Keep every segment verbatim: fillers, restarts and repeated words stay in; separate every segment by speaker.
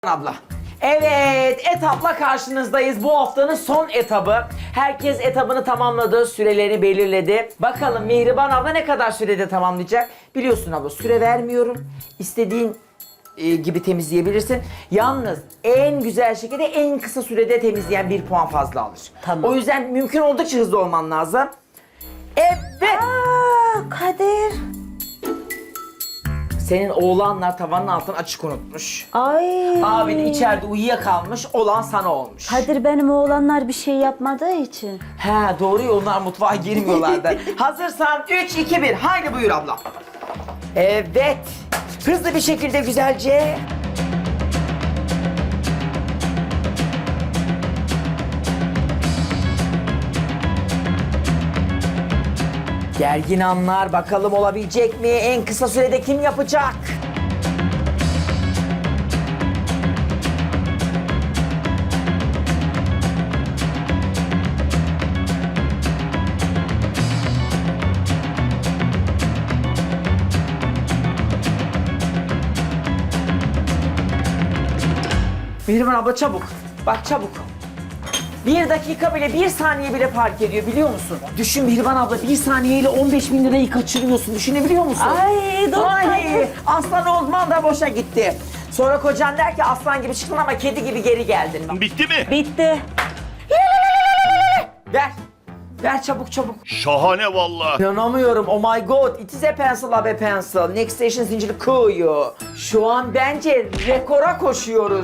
Speaker 1: Abla. Evet, etapla karşınızdayız. Bu haftanın son etabı. Herkes etabını tamamladı, sürelerini belirledi. Bakalım Mihriban abla ne kadar sürede tamamlayacak? Biliyorsun abla, süre vermiyorum. İstediğin e, gibi temizleyebilirsin. Yalnız en güzel şekilde en kısa sürede temizleyen bir puan fazla alır.
Speaker 2: Tamam.
Speaker 1: O yüzden mümkün oldukça hızlı olman lazım. Evet.
Speaker 2: Aa, Kadir.
Speaker 1: Senin oğlanlar tavanın altını açık unutmuş.
Speaker 2: Ay.
Speaker 1: Abin içeride uyuyakalmış, olan sana olmuş.
Speaker 2: Kadir benim oğlanlar bir şey yapmadığı için.
Speaker 1: He doğru ya, onlar mutfağa girmiyorlardı. Hazırsan üç, iki, bir. Haydi buyur abla. Evet. Hızlı bir şekilde güzelce. Gergin anlar, bakalım olabilecek mi? En kısa sürede kim yapacak? Mihriban abla çabuk. Bak çabuk. Bir dakika bile, bir saniye bile fark ediyor biliyor musun? Düşün Mihriban abla, bir saniyeyle on beş bin lirayı kaçırıyorsun. Düşünebiliyor musun?
Speaker 2: Ay, dur.
Speaker 1: Ay, aslan olman da boşa gitti. Sonra kocan der ki aslan gibi çıktın ama kedi gibi geri geldin.
Speaker 3: Bitti mi?
Speaker 2: Bitti.
Speaker 1: Ver. Ver çabuk çabuk.
Speaker 3: Şahane vallahi.
Speaker 1: İnanamıyorum. Oh my god. It is a pencil, a pencil. Next station zinciri kuyu. Şu an bence rekora koşuyoruz.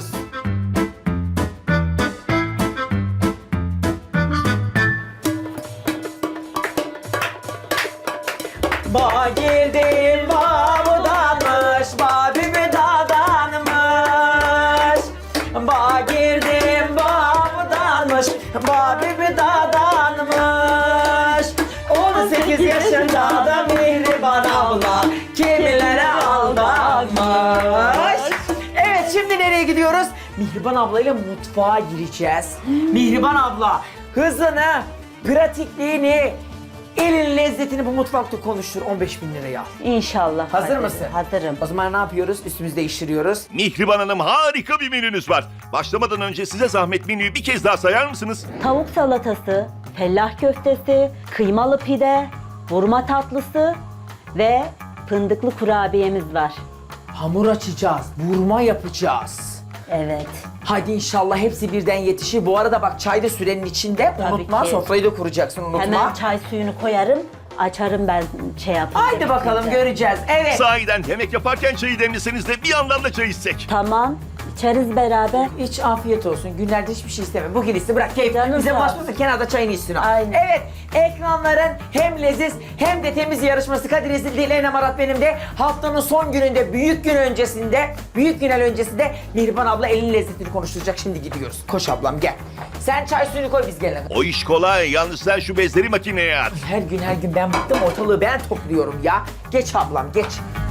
Speaker 1: Ba girdim babudanmış, babimi dadanmış. Ba girdim babudanmış, babimi dadanmış. on sekiz yaşında da Mihriban abla kimilere aldanmış. Evet, şimdi nereye gidiyoruz? Mihriban ablayla mutfağa gireceğiz. Mihriban abla hızını, pratikliğini, elin lezzetini bu mutfakta konuştur. on beş bin liraya al.
Speaker 2: İnşallah.
Speaker 1: Hazır
Speaker 2: Kadir,
Speaker 1: mısın?
Speaker 2: Hazırım.
Speaker 1: O zaman ne yapıyoruz? Üstümüzü değiştiriyoruz.
Speaker 3: Mihriban Hanım, harika bir menünüz var. Başlamadan önce size zahmet menüyü bir kez daha sayar mısınız?
Speaker 2: Tavuk salatası, fellah köftesi, kıymalı pide, vurma tatlısı ve fındıklı kurabiyemiz var.
Speaker 1: Hamur açacağız, vurma yapacağız.
Speaker 2: Evet.
Speaker 1: Hadi inşallah hepsi birden yetişir. Bu arada bak, çay da sürenin içinde.
Speaker 2: Tabii
Speaker 1: Unutma,
Speaker 2: ki.
Speaker 1: sofrayı da kuracaksın, unutma.
Speaker 2: Hemen çay suyunu koyarım, açarım ben şey yapayım.
Speaker 1: Haydi bakalım, göreceğiz. Evet.
Speaker 3: Sahiden yemek yaparken çayı demleseniz de bir yandan da çay içsek.
Speaker 2: Tamam, içeriz beraber.
Speaker 1: Hiç afiyet olsun. Günlerde hiçbir şey isteme. Bugün iste, bırak keyif.
Speaker 2: Canım
Speaker 1: Bize
Speaker 2: sağ ol.
Speaker 1: bulaşmasın, kenarda çayını içsin o.
Speaker 2: Aynen.
Speaker 1: Evet, ekranların hem leziz hem de temiz yarışması Kadir Ezildi ile Enem Arat benim de haftanın son gününde, büyük gün öncesinde, büyük final öncesinde Mihriban abla elin lezzetini konuşturacak. Şimdi gidiyoruz. Koş ablam gel. Sen çay suyunu koy, biz gelelim.
Speaker 3: O iş kolay, yalnız sen şu bezleri makineye at.
Speaker 1: Her gün her gün ben bıktım, ortalığı ben topluyorum ya. Geç ablam, geç.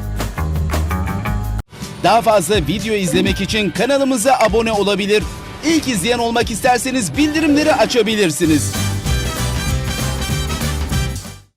Speaker 4: Daha fazla video izlemek için kanalımıza abone olabilir. İlk izleyen olmak isterseniz bildirimleri açabilirsiniz.